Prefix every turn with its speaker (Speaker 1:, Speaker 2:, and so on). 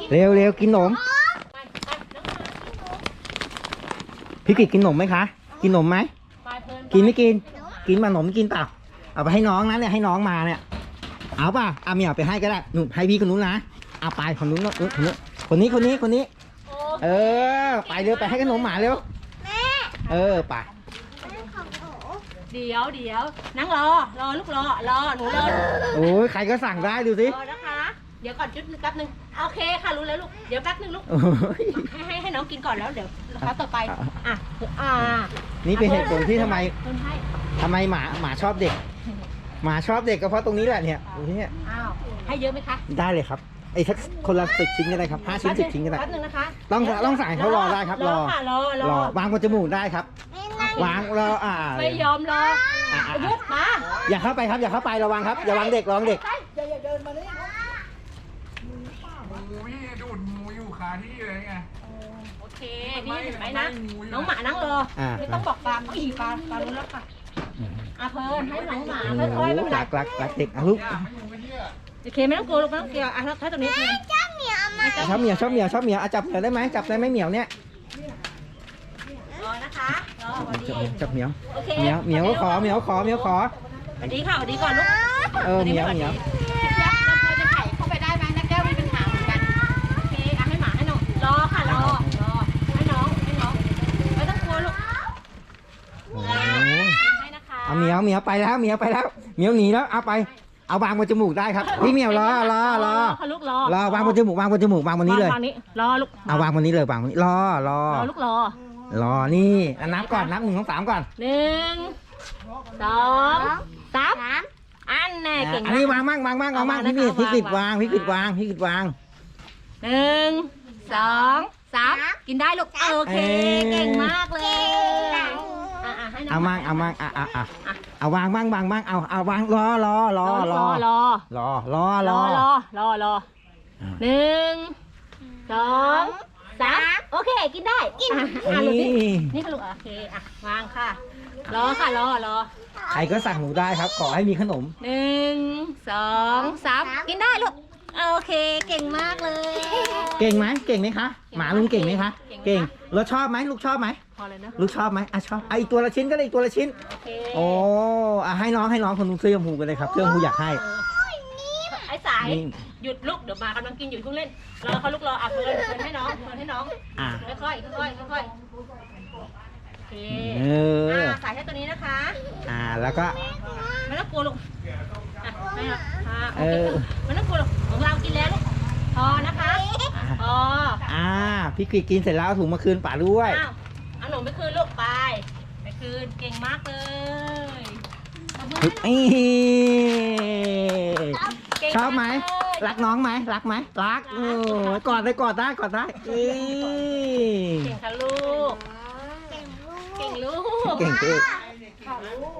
Speaker 1: เร็วเร็วกินขนมพี่กิจกินขนมไหมคะกินขนมไหมกินไม่กินกินมาขนมกินเปล่าเอาไปให้น้องนะเนี่ยให้น้องมาเนี่ยเอาป่ะเอาเมียไปให้ก็ได้หนูให้พี่คนนู้นนะเอาไปคนนู้นคนนี้เออไปเร็วไปให้ขนมหมาเร็วเออไป
Speaker 2: เดี๋ยวนั่งรอลูกรอหนูรอ
Speaker 1: โอ้ยใครก็สั่งได้ดูสิ
Speaker 2: รอนะคะเดี๋ยวก่อนจุดแป๊บนึงโอเคค่ะรู้แล้วลูกเดี๋ยวแป๊บนึงลูกให้น้องกินก่อนแล้วเดี๋ยวเขาต่อไป
Speaker 1: นี่เป็นเหตุผลที่ทำไมหมาชอบเด็กหมาชอบเด็กก็เพราะตรงนี้แหละเนี่ยตรงนี้
Speaker 2: อ้าวให้เยอะไหมคะ
Speaker 1: ได้เลยครับไอ้ทักคนละ10 ชิ้นก็ได้ครับ5 ชิ้น10 ชิ้นก็ได้
Speaker 2: แป๊บนึงนะคะ
Speaker 1: ต้องสั่งเขารอได้ครับรอวางบนจมูกได้ครับวางรอ
Speaker 2: ไม่ยอมรอยุบมา
Speaker 1: อย่าเข้าไปครับอย่าเข้าไประวังครับอย่าวางเด็กระวังเด็ก
Speaker 3: อย่าเดินมาเลยงูพี่ดูดงูอยู่คาที่เลยไง
Speaker 2: โอเคนี่เห็นไหมนะน้องหมานั่งรอไม่ต้องบอกปลาต้องอีปลารู้แล้วค่ะเพลินให้น้องหมาค่อยๆไม่เป็นไร
Speaker 1: รักเด็กลูก
Speaker 2: โอเคไม่ต้องกลัวลูกไม่ต้องกลัวถ้าตรงนี้เพลิน
Speaker 1: ชอบเหมียวจับเหมียวจับเหมียวได้ไหมจับได้ไหมเหมียวเนี่ย
Speaker 2: รอนะคะรอวันนี้
Speaker 1: จับเหมียวเหมียวขอ
Speaker 2: สวัสดีค่ะสวัสดีก่อนลูก
Speaker 1: เหมียว
Speaker 2: เราพอจะไถ่เข้าไปได้ไหมนะแก้วมีปัญหาเหมือนกันโอเคให้หมาให้น้องรอค่ะรอให้น้องไม่ต้องกลัวลูกให้นะคะ
Speaker 1: เหมียวไปแล้วเหมียวหนีแล้วเอาวางบนจมูกได้ครับพี่เหมียวรอ
Speaker 2: ลูก
Speaker 1: รอวางบนจมูกวางบนนี้เลยว
Speaker 2: างนี้รอลูก
Speaker 1: เอาวางบนนี้เลยวางบนนี้รอ
Speaker 2: ลูกร
Speaker 1: อนี่นับก่อนนับ1 2 3ก่อน
Speaker 2: 1 2 3อันแน่เก่ง
Speaker 1: อันนี้วางมั่งพี่กิดวาง1
Speaker 2: 2 3กินได้ลูกโอเคเก่งมากเลย
Speaker 1: เอามั่งเอาวางมั่งเอาวางรอ1
Speaker 2: 2 3โอเคกินได้นี่ค่ะลูกโอเควางค่ะรอ
Speaker 1: ใครก็สั่งหนูได้ครับขอให้มีขนม
Speaker 2: 1 2 3กินได้ลูกโอเคเก่งมากเลย
Speaker 1: เก่งไหมคะหมาลุงเก่งไหมคะเก่งแล้วชอบไหมลูกชอบไหม
Speaker 2: พอเลยนะ
Speaker 1: ลูกชอบไหมชอบอีกตัวละชิ้นก็ได้อีกตัวละชิ้นโอ้ให้น้องคนนู้นเสื้อชมพูกันเลยครับเสื้อชมพูอยากให้
Speaker 2: ไอ้สายหยุดลูกเดี๋ยวมากำลังกินอยู่ทุกเล่นรอเขาลูกรอเพลินให้น้องค่อยโอเคสายแค่ตัวนี้นะคะ
Speaker 1: แล้วก็
Speaker 2: ไม่ต้องกลัวลูกไม่ต้องกลัวลูกของเรากินแล้วลูกพอนะคะ
Speaker 1: พี่กิจกินเสร็จแล้วถุงมาคืนป๋าด้วย
Speaker 2: เอาหนูไปคืนลูกไปคืนเก่งมากเลย
Speaker 1: ชอบไหมรักน้องไหมรักกอดได้
Speaker 2: เก่งค่ะลูกเก่งลูก